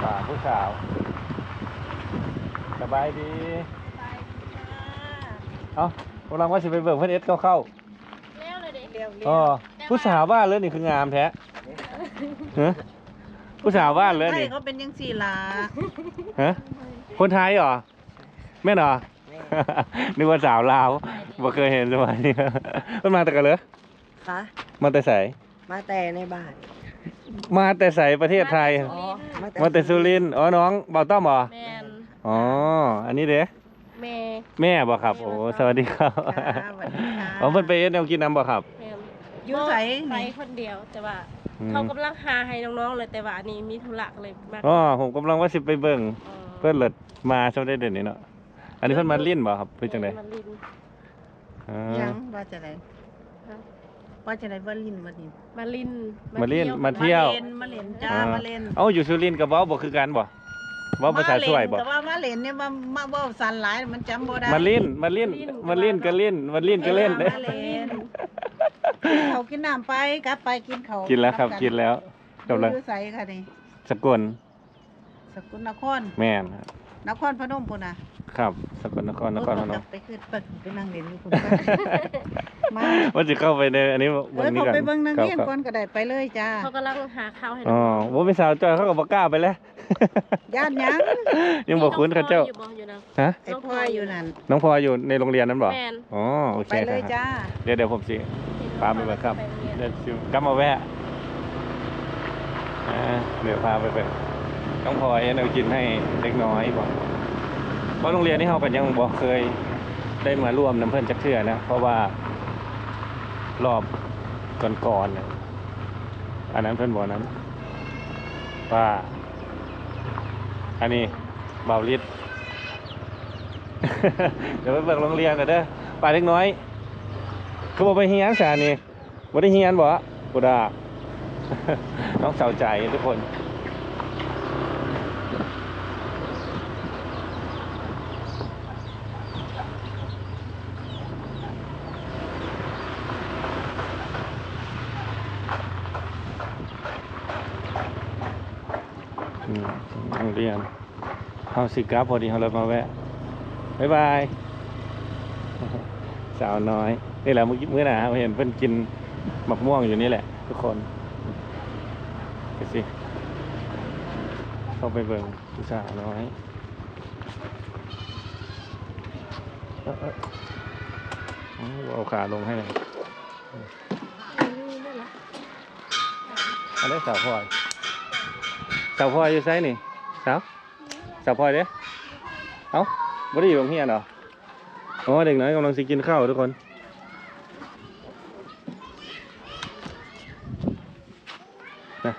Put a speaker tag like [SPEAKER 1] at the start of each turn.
[SPEAKER 1] ผู้สาวสบายดีเอ้ากำลังว่าสิไปเบิกเพื่อนเอสเข้า
[SPEAKER 2] เร็วเลยดิเร็ว
[SPEAKER 1] อ๋อผู้สาวบ้านเลยนี่คืองามแท้ฮะผู้สาวบ้านเลยนี่
[SPEAKER 3] เขาเป็นยังสี่ลา
[SPEAKER 1] ฮะคนไทยเหรอแม่นเหรอนึกว่าสาวลาวบ่เคยเห็นสมัยนี้มันมาแต่กันเลย
[SPEAKER 3] คะ
[SPEAKER 1] มาแต่ใส
[SPEAKER 3] มาแต่ในบ้าน
[SPEAKER 1] มาแต่ใสประเทศไทยมาแต่สุรินทร์อ๋อน้องเบาต้อมเหรอ
[SPEAKER 2] แมน
[SPEAKER 1] อ๋ออันนี้เด้แม่บ่ครับโอ้สวัสดีครับอ๋อเพิ่นไปเอ็ดแนวกินน้ำบ่ครับ
[SPEAKER 3] อยู่ใส่
[SPEAKER 2] ไปคนเดียวแต่ว่าเขากำลังหาให้น้องๆเลยแต่ว่าอันนี้มีธุระเลยมาก
[SPEAKER 1] อ๋อผมกำลังว่าสิไปเบิ่งเพิ่นเลิศมาช่วงได้เด่นนี่เนาะอันนี้เพิ่นมาลิ้นบ่ครับเพิ่นจังได๋
[SPEAKER 3] ยังว่าจะไหนว่าจะไหนว่าลิ้นว่าลิ้น
[SPEAKER 2] มาลิ้น
[SPEAKER 1] มาเที่ยว
[SPEAKER 3] มาเล่นจ้ามาเล่น
[SPEAKER 1] เอ้าอยู่สุรินทร์กับเว้าบ่คือกันบ่เว้าภาษาช่วยบ่
[SPEAKER 3] แต่ว่ามาเล่นเนี่ยมาเว้าสั่นหลายมันจำบ่ได้
[SPEAKER 1] มาลิ้นก็ลิ้นมาลิ้นก็เล่นเด้
[SPEAKER 3] เขากินน้ำไปกลับไปกินเขา
[SPEAKER 1] กินแล้วครับกินแล้ว
[SPEAKER 3] กำลังใส่ค่ะนี่
[SPEAKER 1] สกล
[SPEAKER 3] นคร
[SPEAKER 1] แม่น
[SPEAKER 3] นครพนมพุ่นน่ะ
[SPEAKER 1] ครับสกลนครพนม
[SPEAKER 3] ไปขึ้นไปนั่งเล่นอยู่พุ่น
[SPEAKER 1] มาว่าจะเข้าไปในอันนี้
[SPEAKER 3] วันนี้ก่อนไปเบิ่งนางเงี้ยก่อนก็ได้ไปเลยจ้า
[SPEAKER 2] เขากำลังหาข้าวให้
[SPEAKER 1] อ๋อบ่มีสาวจ้อยเขาก็บ่กล้าไปแล้ว
[SPEAKER 3] ย่านยัง
[SPEAKER 1] บ่คุ้นเขาเจ้า
[SPEAKER 3] ฮะไอ้พ่ออยู่นั่น
[SPEAKER 1] น้องพ่ออยู่ในโรงเรียนนั้นบ่อ๋อโอเค
[SPEAKER 3] ไปเลยจ้า
[SPEAKER 1] เดี๋ยวผมสิพาไปเบิ่งครับเดี๋ยวสิกลับมาแวะเดี๋ยวพาไปเบิ่งน้องพ่อเอากินให้เล็กน้อยบ่เพราะโรงเรียนนี้เฮาก็ยังบ่เคยได้มาร่วมน้ำเพิ่นจักเทื่อนะเพราะว่ารอบก่อนๆอันนั้นเพิ่นบ่นั้นว่าอันนี้เบาลิด เดี๋ยวไปเบิ่งโรงเรียนกันเด้อป่าเล็กน้อยเขาบอกไปเฮียนสานี่บ่ได้เฮียนบ่บ่ได้ น้องสาวใจทุกคนโรงเรียนเฮาสิกลับพอดีเฮาเลยมาแวะบ๊ายบายสาวน้อยนี่แหละมื้อหน้าเห็นเพิ่นกินมะม่วงอยู่นี่แหละทุกคนไปสิเข้าไปเบิ่งผู้สาวน้อยเอาขาลงให้เลยอันนี้สาวพลอยอยู่ไซนี่สาวพลอยเด้เอ้าบ่ได้อยู่โรงเรียนเหรออ๋อเด็กน้อยกำลังสิกินข้าวทุกคนนะ